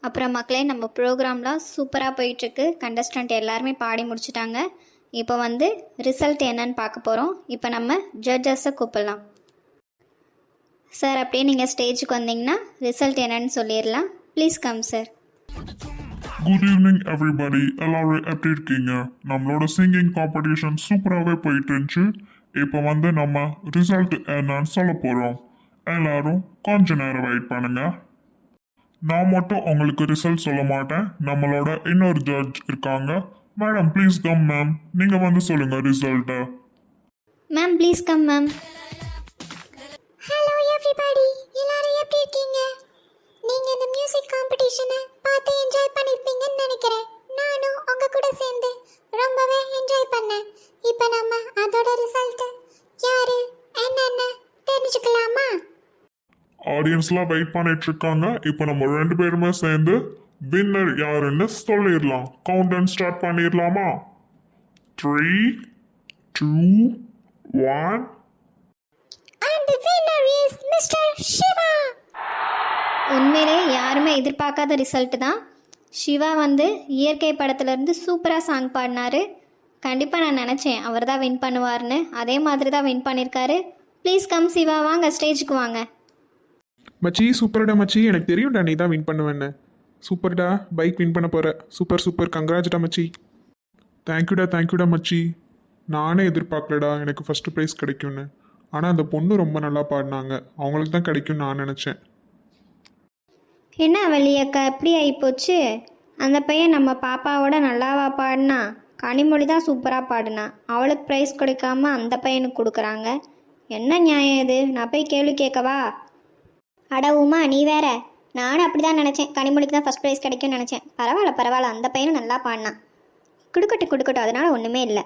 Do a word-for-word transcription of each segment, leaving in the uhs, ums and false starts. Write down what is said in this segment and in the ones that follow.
அப்புறம் மக்களே, நம்ம ப்ரோக்ராம்லாம் சூப்பராக போயிட்டுருக்கு. கண்டஸ்டன்ட் எல்லாருமே பாடி முடிச்சிட்டாங்க. இப்போ வந்து ரிசல்ட் என்னன்னு பார்க்க போகிறோம். இப்போ நம்ம ஜட்ஜஸை கூப்பிடலாம். சார், அப்படியே நீங்கள் ஸ்டேஜுக்கு வந்தீங்கன்னா ரிசல்ட் என்னன்னு சொல்லிடலாம். Please come sir. Good evening everybody. எல்லாரும் எப்படி இருக்கீங்க? நம்மளோட சிங்கிங் காம்படிஷன் சூப்பராகவே போயிட்டு இருந்துச்சு. இப்போ வந்து நம்ம ரிசல்ட் என்னன்னு சொல்ல போகிறோம். எல்லாரும் கொஞ்ச நேரம் வெயிட் பண்ணுங்க. நான் மட்டும் உங்களுக்கு ரிசல்ட் சொல்ல மாட்டேன். நம்மளோட இன்னொரு ஜட்ஜ் இருக்காங்க. Madam please come ma'am. நீங்கள் வந்து சொல்லுங்கள் ரிசல்ட்டை. Ma'am please come ma'am. Hello everybody, எல்லாரும் எப்படி இருக்கீங்க? நீங்க இந்த மியூசிக் காம்படிஷனை பார்த்து என்ஜாய் பண்ணிருப்பீங்கன்னு நினைக்கிறேன். நானும் உங்க கூட சேர்ந்து ரொம்பவே என்ஜாய் பண்ணேன். இப்போ நம்ம அதோட ரிசல்ட் யாரு என்னன்னு தெரிஞ்சுக்கலாமா? ஆடியன்ஸ்லாம் வெயிட் பண்ணிட்டு இருக்காங்க. இப்போ நம்ம ரெண்டு பேருமே சேர்ந்து வின்னர் யாருன்னு சொல்லிடலாம். கவுண்ட் டவுன் ஸ்டார்ட் பண்ணிடலாமா? Three two one. And the winner is mister Shiva. உண்மையிலே யாருமே எதிர்பார்க்காத ரிசல்ட் தான். சிவா வந்து இயற்கை படத்துலேருந்து சூப்பராக சாங் பாடினார். கண்டிப்பாக நான் நினச்சேன் அவர் தான் வின் பண்ணுவார்னு. அதே மாதிரி தான் வின் பண்ணியிருக்காரு. ப்ளீஸ் கம் சிவா, வாங்க ஸ்டேஜுக்கு வாங்க. மச்சி சூப்பர்டா மச்சி, எனக்கு தெரியும்டா நீ தான் வின் பண்ணுவேன்னு. சூப்பர்டா, பைக் வின் பண்ண போகிற. சூப்பர் சூப்பர், கங்க்ராஜ்டா மச்சி. தேங்க்யூடா தேங்க்யூடா மச்சி. நானே எதிர்பார்க்கலடா எனக்கு ஃபஸ்ட்டு ப்ரைஸ் கிடைக்கும்னு. ஆனால் அந்த பொண்ணு ரொம்ப நல்லா பாடினாங்க. அவங்களுக்கு தான் கிடைக்கும்னு நான் நினச்சேன். என்ன வள்ளியக்கா எப்படி ஆகிப்போச்சு? அந்த பையன் நம்ம பாப்பாவோட நல்லாவா பாடினா? கனிமொழி தான் சூப்பராக பாடினா. அவளுக்கு ப்ரைஸ் கொடுக்காம அந்த பையனுக்கு கொடுக்குறாங்க. என்ன நியாயம் இது? நான் போய் கேள்வி கேட்கவா? அட உமா, நீ வேற. நானும் அப்படி தான் நினச்சேன். கனிமொழிக்கு தான் ஃபஸ்ட் ப்ரைஸ் கிடைக்கும்னு நினச்சேன். பரவாயில்ல பரவாயில்ல, அந்த பையனும் நல்லா பாடினான். கொடுக்கட்டும் கொடுக்கட்டும், அதனால ஒன்றுமே இல்லை.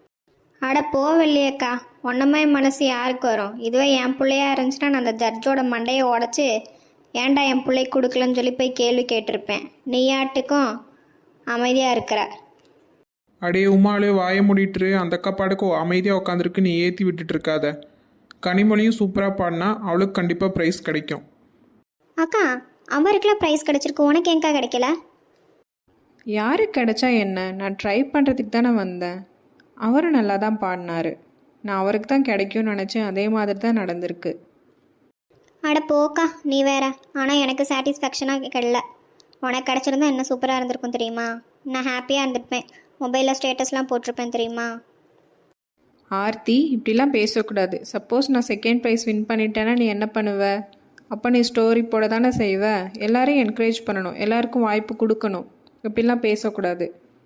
அட போவல்லையக்கா, ஒன்றமே மனசு யாருக்கு வரும்? இதுவே என் பிள்ளையா இருந்துச்சுன்னா நான் அந்த ஜட்ஜோட மண்டையை உடச்சி ஏன்டா என் பிள்ளைக்கு கொடுக்கலன்னு சொல்லி போய் கேள்வி கேட்டிருப்பேன். நீயாட்டுக்கும் அமைதியாக இருக்கிற. அடே உமாலே வாய மூடிட்டுரு. அந்த அக்கா பாடுக்கோ அமைதியாக உட்காந்துருக்கு, நீ ஏற்றி விட்டுட்டு இருக்காத. கனிமொழியும் சூப்பராக பாடினா அவளுக்கு கண்டிப்பாக ப்ரைஸ் கிடைக்கும். அக்கா, அவருக்குலாம் ப்ரைஸ் கிடைச்சிருக்கு, உனக்கு எங்கக்கா கிடைக்கல? யாருக்கு கிடைச்சா என்ன? நான் ட்ரை பண்ணுறதுக்கு தானே வந்தேன். அவரும் நல்லா தான் பாடினார். நான் அவருக்கு தான் கிடைக்கும்னு நினச்சேன். அதே மாதிரி தான் நடந்திருக்கு. அட போக்கா, நீ வேற. ஆனால் எனக்கு சாட்டிஸ்ஃபேக்ஷனாக கிடைல. உனக்கு கிடச்சிருந்தா என்ன சூப்பராக இருந்திருக்கும் தெரியுமா? நான் ஹாப்பியாக இருந்திருப்பேன். மொபைலில் ஸ்டேட்டஸ்லாம் போட்டிருப்பேன் தெரியுமா? ஆர்த்தி, இப்படிலாம் பேசக்கூடாது. சப்போஸ் நான் செகண்ட் ப்ரைஸ் வின் பண்ணிட்டேன்னா நீ என்ன பண்ணுவ? அப்போ நீ ஸ்டோரி போட தானே செய்வ. எல்லாரையும் என்கரேஜ் பண்ணணும், எல்லாருக்கும் வாய்ப்பு கொடுக்கணும். இப்படிலாம் பேசக்கூடாது.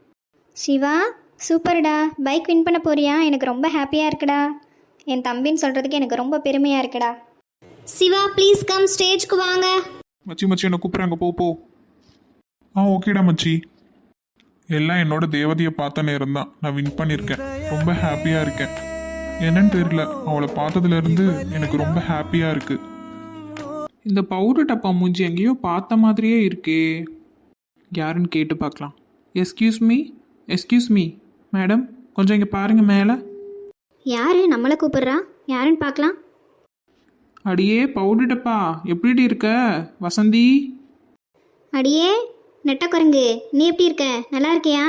சிவா சூப்பர்டா, பைக் வின் பண்ண போறியா? எனக்கு ரொம்ப ஹாப்பியாக இருக்குடா. என் தம்பின்னு சொல்கிறதுக்கு எனக்கு ரொம்ப பெருமையாக இருக்குடா. சிவா ப்ளீஸ் கம், ஸ்டேஜ்க்கு வாங்க. மச்சி மச்சி என்னை கூப்பிட்றாங்க, போ போ. ஆ ஓகேடா மச்சி. எல்லாம் என்னோட தேவதையை பார்த்த நேரம் தான். நான் வின் பண்ணியிருக்கேன். ரொம்ப ஹாப்பியாக இருக்கேன். என்னன்னு தெரியல, அவளை பார்த்ததுலேருந்து எனக்கு ரொம்ப ஹாப்பியாக இருக்குது. இந்த பவுடர் டப்பா மூஞ்சி எங்கேயோ பார்த்த மாதிரியே இருக்கே. யாருன்னு கேட்டு பார்க்கலாம். Excuse me excuse me madam, கொஞ்சம் இங்கே பாருங்கள் மேலே. யாரு நம்மளை கூப்பிடுறா? யாருன்னு பார்க்கலாம். அடியே பவுடர் டப்பா, எப்படி இருக்க வசந்தி? அடியே நெட்டக்குரங்கு, நீ எப்படி இருக்க? நல்லா இருக்கியா?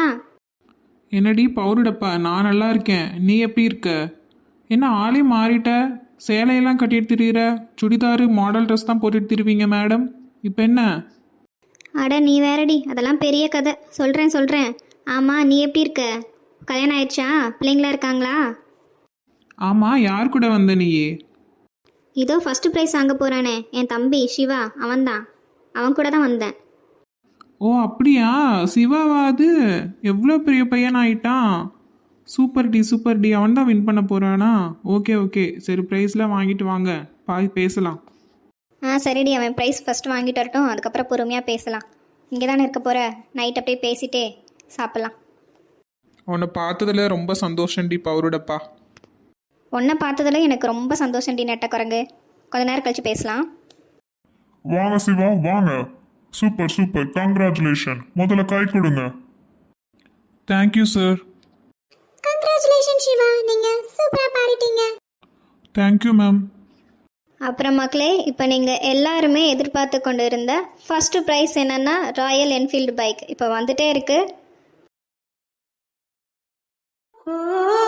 என்னடி பவுடர் டப்பா, நான் நல்லா இருக்கேன். நீ எப்படி இருக்க? என்ன ஆளே மாறிட்ட? சேலையெல்லாம் கட்டிட்டு திரியிற. சுடிதாரு மாடல் ட்ரெஸ் தான் போட்டுட்டு திரிவீங்க மேடம். இப்போ என்ன? அட நீ வேறடி, அதெல்லாம் பெரிய கதை. சொல்கிறேன் சொல்கிறேன். ஆமாம், நீ எப்படி இருக்க? கல்யாணம் ஆயிடுச்சா? பிள்ளைங்களா இருக்காங்களா? ஆமாம், யார் கூட வந்த நீயே? இதோ ஃபஸ்ட்டு ப்ரைஸ் வாங்க போகிறானே என் தம்பி சிவா, அவன்தான். அவன் கூட தான் வந்தேன். ஓ அப்படியா? சிவாவா அது? எவ்வளோ பெரிய பையன் ஆயிட்டான். சூப்பர் டி சூப்பர் டி. அவன் தான் வின் பண்ண போகிறானா? ஓகே ஓகே, சரி ப்ரைஸ்லாம் வாங்கிட்டு வாங்க, பாய் பேசலாம். ஆ சரிடி, அவன் ப்ரைஸ் ஃபஸ்ட்டு வாங்கிட்டு வரட்டும், அதுக்கப்புறம் பொறுமையாக பேசலாம். இங்கே தானே இருக்க போகிற, நைட் அப்படியே பேசிட்டே சாப்பிட்லாம். உன்னை பார்த்ததில் ரொம்ப சந்தோஷம்டி பவுருடப்பா. உன்னை பார்த்ததில் எனக்கு ரொம்ப சந்தோஷம் டி நெட்டக்குரங்கு. கொஞ்ச நேரம் கழிச்சு பேசலாம். வாங்க சிவா வாங்க. Super super, congratulation. முதல்ல கை கொடுங்க. Thank you sir. கங்க்ராச்சுலேஷன் சிவா, நீங்க சூப்பரா பாடிட்டீங்க. Thank you ma'am. அப்புறம் மக்களே, இப்போ நீங்கள் எல்லாருமே எதிர்பார்த்து கொண்டு இருந்த ஃபஸ்ட்டு ப்ரைஸ் என்னென்னா ராயல் என்ஃபீல்டு பைக் இப்போ வந்துட்டே இருக்குது.